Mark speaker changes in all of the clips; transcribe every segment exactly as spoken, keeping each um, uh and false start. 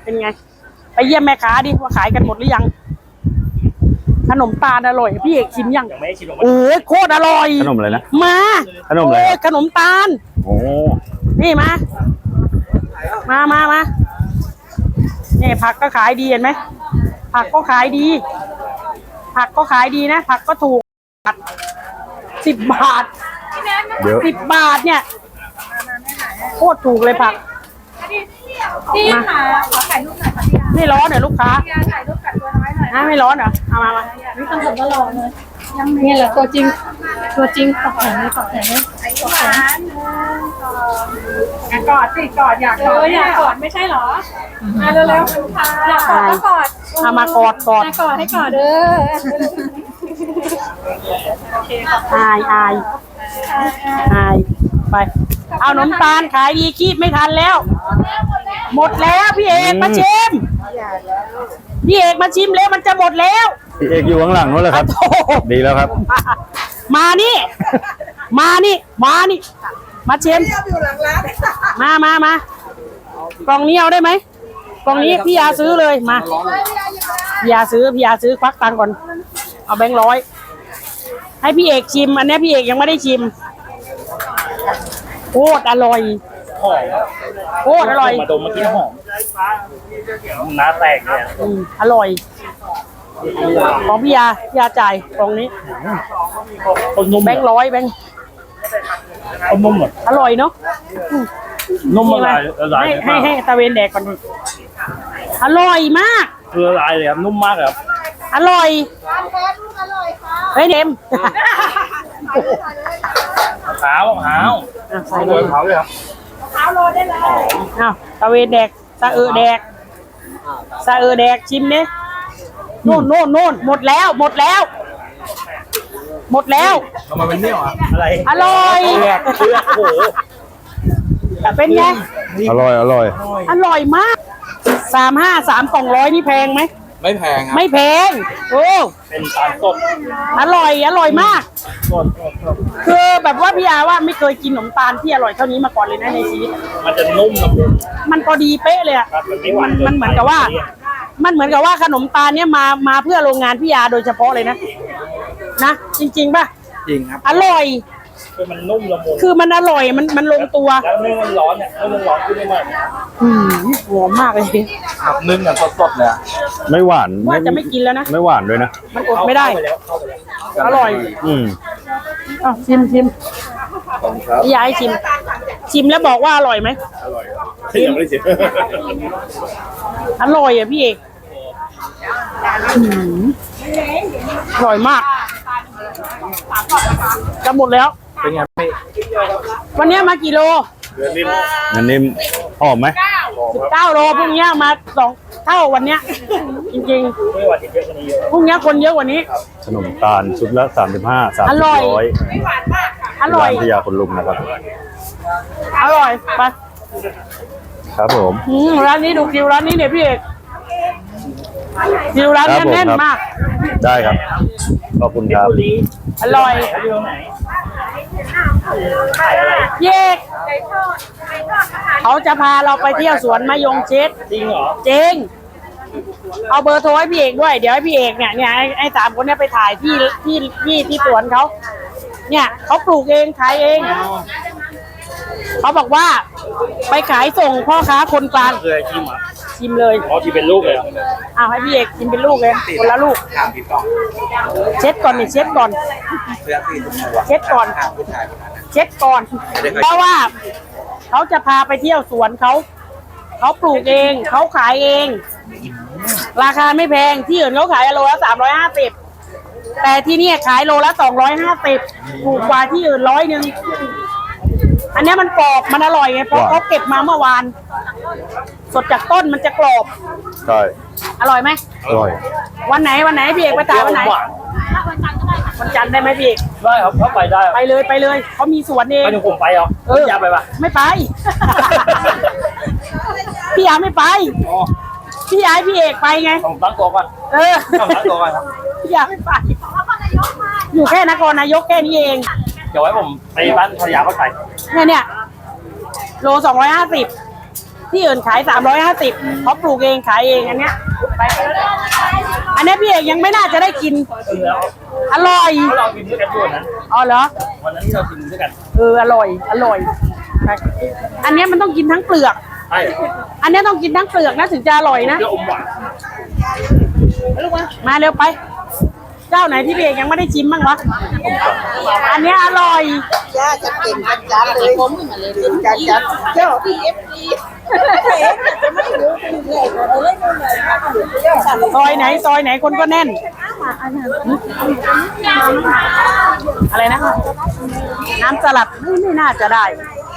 Speaker 1: เป็นไงไปเยี่ยมแม่ค้าดิว่าขายกันหมดหรือยังขนมตาลอร่อยพี่เอกชิมยังยังไม่ชิมโอ้ยโคตรอร่อย
Speaker 2: ขนมอะไรนะ
Speaker 1: มา
Speaker 2: ขนมอะไร
Speaker 1: ขนมตาล
Speaker 2: โอ้
Speaker 1: นี่มามามามาเนี่ยผักก็ขายดีเห็นไหมผักก็ขายดีผักก็ขายดีนะผักก็ถูกสิบบาท
Speaker 2: เดี๋ยว
Speaker 1: สิบบาทเนี่ยโคตรถูกเลยผัก
Speaker 3: พี่ค่ะขอถ่ายรูปหน่อยค่ะพี่ยา
Speaker 1: ไม่ร้อนเหรอลูกค้า
Speaker 3: พี่ยาถ่ายรูปกับตัวน้อยหน่อย
Speaker 1: นะไม่ร้อนเหรอเอามามา
Speaker 3: นี่ต้องผมก็รอเลยนี่แหละตัวจริงตัวจริงตอกแขนเลยตอกแขนเลยตอกแขนอยากกอดสิกอดอยากกอดอยากกอดไม่ใช่หรอมาเร็วๆค่ะอยากกอดก็กอด
Speaker 1: เอามากอดกอด
Speaker 3: กอดให้กอดเด้อ
Speaker 1: อายอายอายไปเอาขนมตาลขายดีคีบไม่ทันแล้วหมดแล้วพี่เอกมาชิมพี่เอกมาชิมแล้วมันจะหมดแล้ว
Speaker 2: พี่เอกอยู่ข้างหลังนู้นเลยครับดีแล้วครับ
Speaker 1: มานี่มานี่มานี่มาชิมมามามา กล่องนี้เอาได้ไหมกล่องนี้พี่ยาซื้อเลยมาพี่ยาซื้อพี่ยาซื้อควักตังค์ก่อนเอาแบงค์ร้อยให้พี่เอกชิมอันนี้พี่เอกยังไม่ได้ชิมโคตรอร่อย
Speaker 4: หอม
Speaker 1: โคตรอร่อย
Speaker 4: มาดมเมื่อกี้หอมน้าแตกเลย
Speaker 1: อืมอร่อยของพี่ยาพี่ยาจ่ายกล่องนี้
Speaker 4: คนนุ่ม
Speaker 1: แบงค์ร้อยแบงค์
Speaker 4: คนนุ่มเหรอ
Speaker 1: อร่อยเนาะ
Speaker 4: นุ่มอะไรละลาย
Speaker 1: ให้ให้ตะเวนแดกก่อนอร่อยมาก
Speaker 4: คือละลายเลยครับนุ่มมากเลยครับ
Speaker 1: อร่อยเฮ้ยเนม
Speaker 4: ขาวขาวใส่เลยขาวเลยครับ
Speaker 3: ขาวโรได้เลย
Speaker 1: อ้าวตะเวนแดกตะเออแดกตะเออแดกชิมเนี่ยโน่นโน่นโน่นหมดแล้วหมดแล้วหมดแล้ว
Speaker 4: ทำไมมันเนี่ยวอ่ะอะไร
Speaker 1: อร่อย
Speaker 4: เลือกโอ้โห
Speaker 1: เป็นไง
Speaker 2: อร่อยอร่อย
Speaker 1: อร่อยมากสามห้าสามกล่องร้อยนี่แพงไหม
Speaker 4: ไม่แพงครับ
Speaker 1: ไม่แพงโอ้
Speaker 4: เป็นตาลสด
Speaker 1: อร่อยอร่อยมากคือแบบว่าพี่อาว่าไม่เคยกินขนมตาลที่อร่อยเท่านี้มาก่อนเลยนะในชีวิต
Speaker 4: มันจะนุ่มนะ
Speaker 1: มันพอดีเป๊ะเลยอ่ะมันมันเหมือนกับว่ามันเหมือนกับว่าขนมตาลเนี้ยมามาเพื่อโรงงานพี่อาโดยเฉพาะเลยนะนะจริงๆป่ะ
Speaker 4: จริงครับ
Speaker 1: อร่อย
Speaker 4: คือมันนุ่มละมุน
Speaker 1: คือมันอร่อยมันมันลงตัว
Speaker 4: แล้วนึ่งมันร้อนเนี่ยนึ่งมันร้อนขึ้นได้มาก
Speaker 1: อืมหอมมากเลย
Speaker 4: ครับนึ่งแบบสดๆเลย
Speaker 2: ไม่หวาน
Speaker 1: ว่าจะไม่กินแล้วนะ
Speaker 2: ไม่หวานด้วยนะ
Speaker 1: มันอดไม่ได้อร่อย
Speaker 2: อืม
Speaker 1: อ้าวชิมชิมพี่ยายชิมชิมแล้วบอกว่าอร่อยไหม
Speaker 4: อร่อยชิมไม่ชิม
Speaker 1: อร่อยอ่ะพี่เอกอร่อยมากจะหมดแล้ว
Speaker 4: เป็นไงพี่
Speaker 1: วันนี้มากี่โล
Speaker 4: เดือนนิ่ม
Speaker 2: เดือนนิ่มหอมไหม
Speaker 1: สิบเก้าโลพรุ่งนี้มาสองเท่าวันเนี้ยจริงๆพรุ่งนี้คนเยอะกว่านี้
Speaker 2: ขนมตาลชุดละสามสิบห้าสามสิบร้อย
Speaker 1: อร่อย
Speaker 2: พิยาคนลุมนะครับ
Speaker 1: อร่อยไป
Speaker 2: ครับผม
Speaker 1: ร้านนี้ดูคิวร้านนี้เนี่ยพี่เอกคิวร้านนี้แน่นมาก
Speaker 2: ได้ครับขอบคุณครับ
Speaker 1: อร่อยเยกเขาจะพาเราไปเที่ยวสวนมะยงชิด
Speaker 4: จริงเหรอ
Speaker 1: จริงเอาเบอร์โทรให้พี่เอกด้วยเดี๋ยวให้พี่เอกเนี่ยเนี่ยไอ้สามคนนี้ไปถ่ายที่ที่ที่ที่สวนเขาเนี่ยเขาปลูกเองขายเองเขาบอกว่าไปขายส่งพ่อค้าคนกลาง
Speaker 4: เคยชิมอ่ะ
Speaker 1: ชิมเลย
Speaker 4: อ๋อที่เป็นลูกเลย
Speaker 1: อ้าวให้พี่เอกกินเป็นลูกเลยคนละลูกเช็ดก่อนนี่เช็ดก่อนเช็ดก่อนเช็ดก่อนเพราะว่าเขาจะพาไปเที่ยวสวนเขาเขาปลูกเองเขาขายเองราคาไม่แพงที่อื่นเขาขายโลละสามร้อยห้าสิบแต่ที่นี่ขายโลละสองร้อยห้าสิบถูกกว่าที่อื่นร้อยหนึ่งอันนี้มันกรอบมันอร่อยไงเพราะเขาเก็บมาเมื่อวานสดจากต้นมันจะกรอบ
Speaker 2: ใช่
Speaker 1: อร่อยไหม
Speaker 2: อร่อย
Speaker 1: วันไหนวันไหนพี่เอกไปถ่ายวันไหนวันจันทร์ได้ไหมพี่เอก
Speaker 4: ได้ครับเขาไปได้
Speaker 1: ไปเลยไปเลยเขามีสวนเอง
Speaker 4: ไปถึงผมไปเหรอเอออยากไปปะ
Speaker 1: ไม่ไปพี่ยาไม่ไปพี่ยาให้พี่เอกไปไง
Speaker 4: ต้องตั้งตัวก่อน
Speaker 1: เออ
Speaker 4: ต้องตั้งตัวก่อนครับ
Speaker 1: พี่ยาไม่ไปอยู่แค่นครนายกแค่นี้เอง
Speaker 4: เดี๋ยวไว้ผมไปบ้านภรรยาเขาใส่
Speaker 1: เนี่ยเนี่ยโลสองร้อยห้าสิบที่อื่นขายสามร้อยห้าสิบเขาปลูกเองขายเองอันเนี้ยไปอันเนี้ยพี่เอกยังไม่น่าจะได้กิน
Speaker 4: แล้ว
Speaker 1: อร่อย
Speaker 4: เรากินด้วยกันด้วยนะ
Speaker 1: อ๋อเหรอ
Speaker 4: วันนั้นที่เรากินด้วยกัน
Speaker 1: เอออร่อยอร่อยไปอันเนี้ยมันต้องกินทั้งเปลือก
Speaker 4: ใช่
Speaker 1: อันเนี้ยต้องกินทั้งเปลือกนะถึงจะอร่อยนะ
Speaker 4: เปรี้ยวอมหวาน
Speaker 1: มาเร็วไป เจ้าไหนที่พี่เอกยังไม่ได้ชิมบ้างวะอันเนี้ยอร่อย
Speaker 5: จ้าจะเก่งจัดจ้าเลยผมเลยจัดจัดเจ้าพีเอฟซีจะไม่รู้เป็นใหญ่กว่าเลย
Speaker 1: ซอยไหนซอยไหนคนก็แน่น อะไรนะ น้ำสลัดไม่ไม่น่าจะได้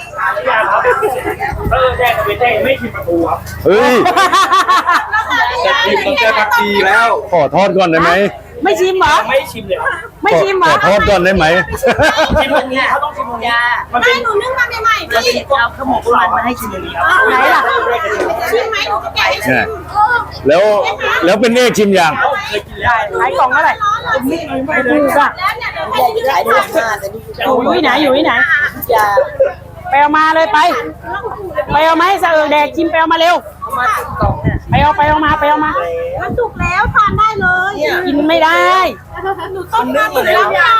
Speaker 4: เออแจ้งไปแจ้งไม่ชิมประตูครับ
Speaker 2: เฮ้ย
Speaker 6: จะกินต้องแก้ผักชีแล้ว
Speaker 2: ขอทอดก่อนได้ไหม
Speaker 1: ไม่ชิมเหรอ
Speaker 4: ไม่ชิมเลย
Speaker 1: ไม่ชิมเหร
Speaker 2: ข
Speaker 1: อ
Speaker 2: อทอดก่อนได้ไหม
Speaker 4: ชิมตรงนี้เขาต้องชิมตรงนี้มันเป็นหนูนึ่งมาใหม่ๆมันเป็นเอาขมกมันมาให้ชิมตรงนี้ครับ
Speaker 1: ไหนล่ะ
Speaker 5: ชิมไหมหนูจะแกะ
Speaker 2: เนี่ยแล้วแล้วเป็นเอกชิมยัง
Speaker 4: เคยกินแล้ว
Speaker 1: ขายกล่องเท่าไหร่ถูกอ่ะ
Speaker 5: ขายได้ห้าแต่นี่
Speaker 1: อยู่ที่ไหนอยู่ที่ไหน
Speaker 5: จะ
Speaker 1: ไปเอามาเลยไป ไปเอามาให้สะเอิงแดกชิมไปเอามาเร็ว
Speaker 5: มาติดกล่องเนี่ย
Speaker 1: ไปเอาไปเอามาไปเอามา
Speaker 5: มันสุกแล้วทานได้เลย
Speaker 1: กินไม่ได้
Speaker 5: หนูต้มมาหมดแล้วค่ะ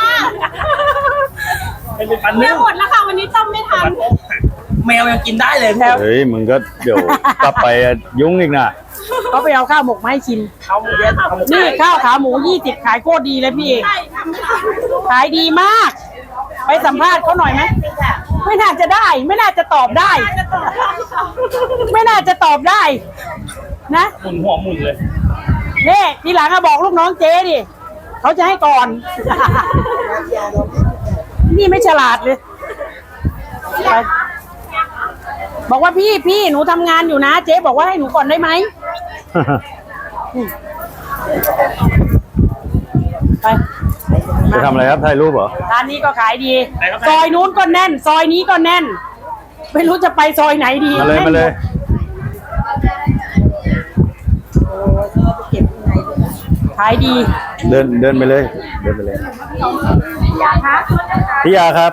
Speaker 4: เป็นปันนึ่ง
Speaker 5: หมดแล้วค่ะวันนี้ต้มไม่ทัน
Speaker 4: แมวยังกินได้เลย
Speaker 1: แล้ว
Speaker 2: เฮ้ยมึงก็เดี๋ยวกลับไปยุ่งอีกนะ
Speaker 1: เขาไปเอาข้าวหมกมาให้ชิม
Speaker 4: เขาหมูเยอะเขาหมู
Speaker 1: นี่ข้าวขาหมูยี่สิบขายโคตรดีเลยพี่เอกขายดีมาก ไปสัมภาษณ์เขาหน่อยไหมไม่น่าจะได้ ไม่น่าจะตอบได้ ไม่น่าจะตอบได้ นะ
Speaker 4: หมุนหัวหมุนเลย
Speaker 1: นี่ทีหลังอะบอกลูกน้องเจ๊ดิเขาจะให้ก่อน นี่ไม่ฉลาดเลยไปบอกว่าพี่พี่หนูทำงานอยู่นะ เจ๊บอกว่าให้หนูก่อนได้ไหมไป
Speaker 2: จะทำอะไรครับถ่ายรูปเหรอ
Speaker 1: ร้านนี้ก็ขายดี ซอยนู้นก็แน่น ซอยนี้ก็แน่น ไม่รู้จะไปซอยไหนดี
Speaker 2: มาเลยมาเลย
Speaker 1: ขายดี
Speaker 2: เดินเดินไปเลย เดินไปเลยพี่ยาครับ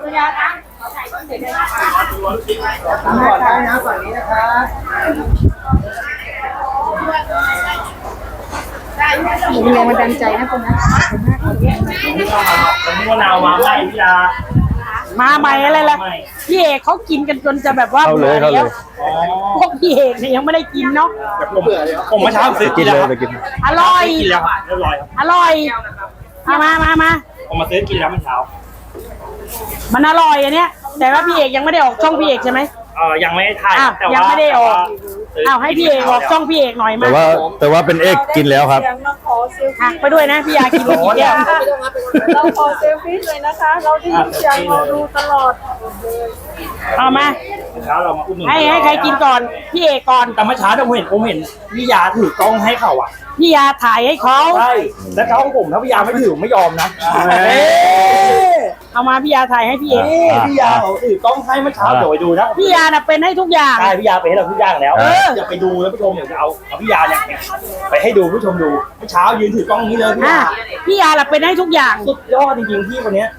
Speaker 3: มีแรงบันดาลใจนะคนนั้น
Speaker 4: วันนี้มะนาวมาใหม่พี่ยา
Speaker 1: มาใหม่อะไรล่ะพี่เอกเขากินกันจนจะแบบว่า
Speaker 2: เข้าเลยเข้าเลย
Speaker 4: อ๋อ
Speaker 1: พวกพี่เอกเนี่ยยังไม่ได้กินเนาะ
Speaker 4: ผมผมเมื่อเช้าซื้อ
Speaker 2: กิ
Speaker 4: กิ
Speaker 2: น
Speaker 4: น
Speaker 2: เล
Speaker 4: แล้ว
Speaker 2: ยไปกิน
Speaker 1: อร่อย
Speaker 4: กินแล้วเรียบร้อยครับ
Speaker 1: อร่อยมามามามา
Speaker 4: ผมมาซื้อกินแล้วเมื่อเช้า
Speaker 1: มันอร่อยอันเนี้ย แต่ว่าพี่เอกยังไม่ได้ออกช่องพี่เอกใช่ไหม
Speaker 4: เออยังไม่ได้ถ่าย
Speaker 1: อ้าว
Speaker 4: แต่ว่า
Speaker 1: ยังไม่ได้ออก
Speaker 4: ซื้
Speaker 1: อ้าวให้พี่เอกออกช่องพี่เอกหน่อยมา
Speaker 2: แต่ว่าแต่ว่าเป็นเอกกินแล้วครับ
Speaker 1: อ่ะไปด้วยนะพี่ยากินไปกี่แก้ว
Speaker 3: เราขอเซลฟี่เลยนะคะ เราได้ยินเสียงเราดูตลอด
Speaker 1: เอามา
Speaker 4: เมื่อเช้าเรามาอุดหนุน
Speaker 1: ให้ให้ใครกินก่อน พี่เอกก่อน
Speaker 4: แต่เมื่อเช้าผมเห็นผมเห็นพี่ยาถือกล้องให้เขาอ่ะ
Speaker 1: พี่ยาถ่ายให้เขา
Speaker 4: ใช่แล้วเขาของผมถ้าพี่ยาไม่ถือผมไม่ยอมนะ
Speaker 2: เอ้ย
Speaker 1: เอามาพี่ยาถ่ายให้พี่เอก
Speaker 4: นี่พี่ยาเขาถือกล้องให้เมื่อเช้าเดี๋ยวไปดูนะ
Speaker 1: พี่ยาน่ะเป็นให้ทุกอย่าง
Speaker 4: ใช่พี่ยาไปให้เราทุกอย่างแล้ว
Speaker 2: เออ
Speaker 4: อย่าไปดูแล้วผู้ชมเดี๋ยวจะเอาเอาพี่ยาเนี่ยไปให้ดูผู้ชมดูเมื่อเช้ายืนถือกล้องนี้เลยพี่
Speaker 1: อ่ะ
Speaker 4: ยา
Speaker 1: พี่ยาน่ะเป็นให้ทุกอย่าง
Speaker 4: สุดยอดจริงๆพี่คนเนี้ย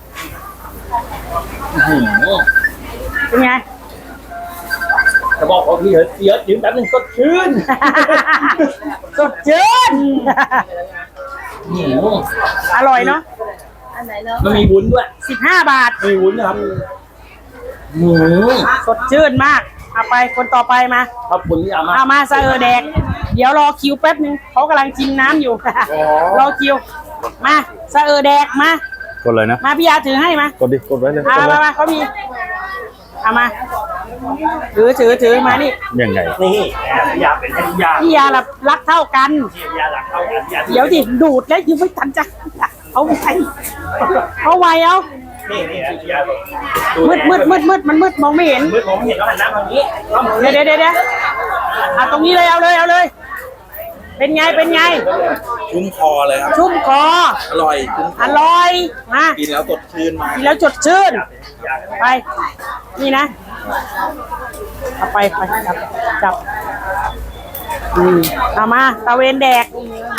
Speaker 1: เป็นไง
Speaker 4: จะบอกว่าพี่เฮ้ยพี่เฮ้ยยืนแป๊บนึงสดชื่น
Speaker 1: สดชื่น
Speaker 4: หืม
Speaker 1: อร่อยเนาะ
Speaker 4: มันมีวุ้นด้วย
Speaker 1: สิบห้าบาท
Speaker 4: มีวุ้นนะครับหืม
Speaker 1: สดชื่นมาก เอาไปคนต่อไปมา
Speaker 4: ขอบคุณพี่ยามาก
Speaker 1: เอามาซะเออแดก เดี๋ยวรอคิวแป๊บนึงเขากำลังชิมน้ำอยู่ รอคิว มาซะเออแดกมา
Speaker 2: กดเลยนะ
Speaker 1: มาพี่ยาถือให้มาก
Speaker 2: ดดิ กดไว้เลย
Speaker 1: เอา
Speaker 2: กดเล
Speaker 1: มาย มาเขามีเอามา ถือถือถือมานี่
Speaker 2: ยังไง
Speaker 4: นี่พี่ยาเป็นให้พี่ยา
Speaker 1: พี่ยาละรักเท่ากัน
Speaker 4: พี่ยาหลักเท่ากันพี่ยา
Speaker 1: เดี๋ยวดิดูดแล้วยังไม่ทันจะเอาไวเอาไวเอา
Speaker 4: นี่นี่นะพี่ยา
Speaker 1: มืดมืดมืดมืดมันมืดมองไม่เห็น
Speaker 4: มืดผมเห็นแล้วหันหน้าทางนี้
Speaker 1: เดี๋ยวเดี๋ยวเดี๋ยวเดี๋ยวอ่ะตรงนี้เลยเอาเลยเอาเลย เป็นไงเป็นไง
Speaker 6: ชุ่มคอเลยครับ
Speaker 1: ชุ่มคอ
Speaker 6: อร่อยชุ่มค
Speaker 1: อร่อยมา
Speaker 6: กินแล้วสดชื่นมาก
Speaker 1: กินแล้วจดชื่น ไป นี่นะ เอาไปไปจับจับอืมเอามาตะเวนแดก